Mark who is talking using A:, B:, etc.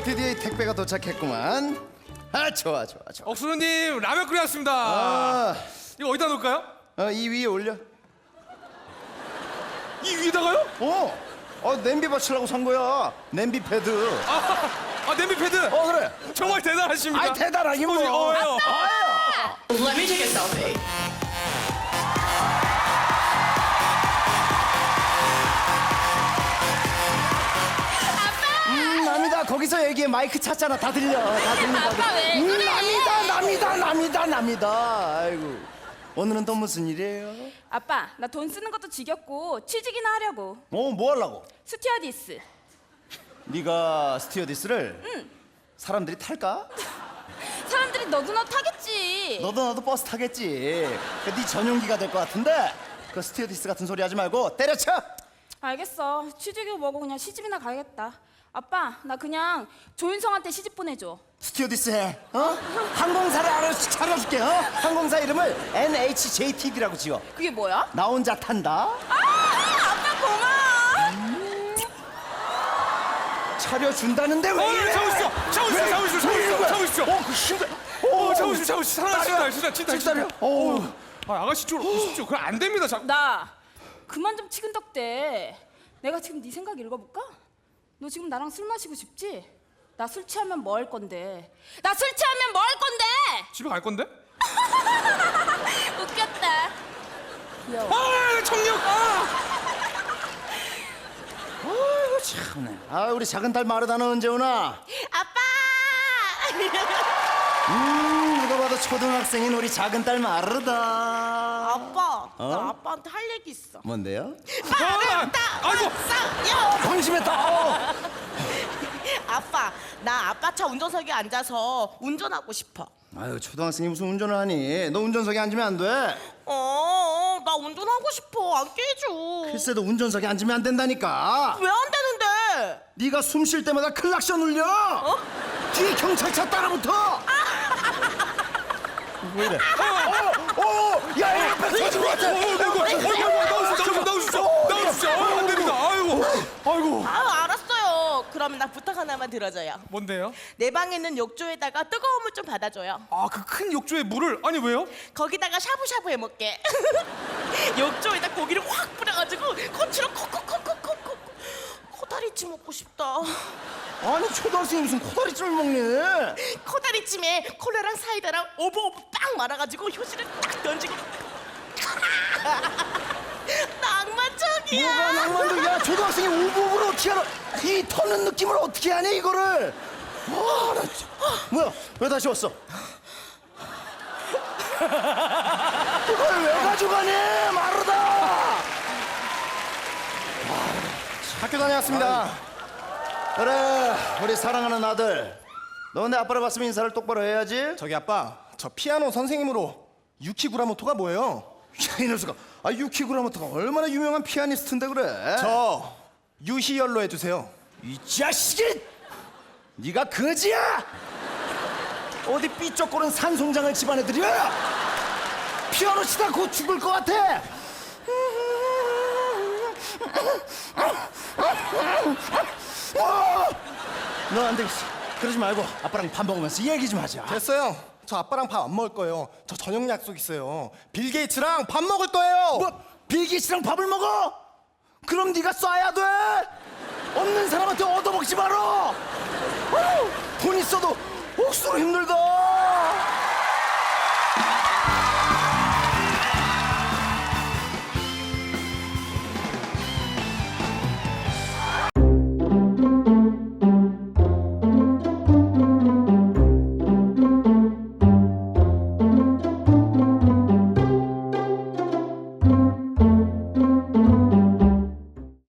A: 드디어 택배가 도착했구만. 아, 좋아.
B: 억수로님 라면 끓여왔습니다. 이거 어디다 놓을까요?
A: 이 위에 올려.
B: 이 위에다가요?
A: 냄비 받치려고 산 거야. 냄비 패드.
B: 냄비 패드.
A: 그래.
B: 정말 대단하십니다.
A: 대단하긴 뭐.
C: Let me take a selfie.
A: 남이다. 거기서 얘기해. 마이크 찾잖아. 다 들려.
C: 아빠 왜 그래?
A: 남이다. 아이고. 오늘은 또 무슨 일이에요?
C: 아빠 나 돈 쓰는 것도 지겹고 취직이나 하려고.
A: 뭐 하려고?
C: 스튜어디스.
A: 네가 스튜어디스를?
C: 응.
A: 사람들이 탈까?
C: 사람들이 너도 나 타겠지.
A: 너도 나도 버스 타겠지. 네 전용기가 될 것 같은데 그 스튜어디스 같은 소리 하지 말고 때려쳐.
C: 알겠어. 취직이고 뭐고 그냥 시집이나 가야겠다. 아빠 나 그냥 조윤성한테 시집 보내줘.
A: 스튜어디스 해. 항공사를 차려줄게. 항공사 이름을 NHJTB라고 지어.
C: 그게 뭐야?
A: 나 혼자 탄다.
C: 아빠 고마워.
A: 차려준다는데 왜 이래?
B: 잡으시죠.
A: 그 힘들.
B: 잡으시죠. 사랑하십니다. 진짜.
A: 식사려.
B: 아가씨 쪽으로 오십시오. 그럼 안 됩니다.
C: 나 그만 좀 치근덕대. 내가 지금 네 생각 읽어볼까? 너 지금 나랑 술 마시고 싶지? 나 술 취하면 뭐 할 건데? 나 술 취하면 뭐 할 건데?
B: 집에 갈 건데?
C: 웃겼다. 귀여워.
B: 청력.
A: 아이고 참네. 우리 작은 딸 마르다는 언제 오나?
C: 아빠!
A: 누가 봐도 초등학생인 우리 작은 딸 마르다.
D: 아빠, 나 아빠한테 할 얘기 있어.
A: 뭔데요?
B: 아이고.
A: 방심했다.
D: 아빠, 나 아빠 차 운전석에 앉아서 운전하고 싶어.
A: 아유, 초등학생이 무슨 운전을 하니? 너 운전석에 앉으면 안 돼.
D: 나 운전하고 싶어. 안 깨줘.
A: 글쎄도 운전석에 앉으면 안 된다니까.
D: 왜 안 되는데?
A: 네가 숨 쉴 때마다 클락션 울려. 뒤에 경찰차 따라붙어. 왜 이래? 야, 앞에 터진 것 같아.
B: 나오십시오. 안 됩니다. 아이고.
D: 알았어요. 그러면 나 부탁 하나만 들어줘요.
B: 뭔데요?
D: 내 방에 있는 욕조에다가 뜨거운 물 좀 받아줘요.
B: 그 큰 욕조에 물을. 아니 왜요?
D: 거기다가 샤브샤브 해먹게. 욕조에다 고기를 확 뿌려가지고 코치로 콕콕콕콕콕콕. 코다리찜 먹고 싶다.
A: 아니, 초등학생이 무슨 코다리찜을 먹니?
D: 코다리찜에 콜라랑 사이다랑 오버오버 빵 말아가지고 효시를 딱 던지고. 낭만적이야.
A: 뭐가 낭만적이야? 초등학생이 오복을 어떻게 알아? 이 터는 느낌을 어떻게 하니 이거를? 나 진짜. 뭐야? 왜 다시 왔어? 이걸 왜 가져가니? 마르다. 학교 다녀왔습니다. 그래, 우리 사랑하는 아들. 너 근데 아빠를 봤으면 인사를 똑바로 해야지.
E: 저기 아빠, 저 피아노 선생님으로 유키구라모토가 뭐예요?
A: 야, 이 녀석아. 유키구라모토가 얼마나 유명한 피아니스트인데 그래.
E: 저 유희열로 해주세요.
A: 이 자식이! 네가 거지야? 어디 삐쩍거린 산송장을 집안에 들여? 피아노 치다 곧 죽을 것 같아. 너 안 되겠어. 그러지 말고 아빠랑 밥 먹으면서 얘기 좀 하자.
E: 됐어요. 저 아빠랑 밥 안 먹을 거예요. 저 저녁 약속 있어요. 빌 게이츠랑 밥 먹을 거예요.
A: 뭐? 빌기씨랑 밥을 먹어? 그럼 네가 쏴야 돼. 없는 사람한테 얻어먹지 마라. 돈 있어도 억수로 힘들다.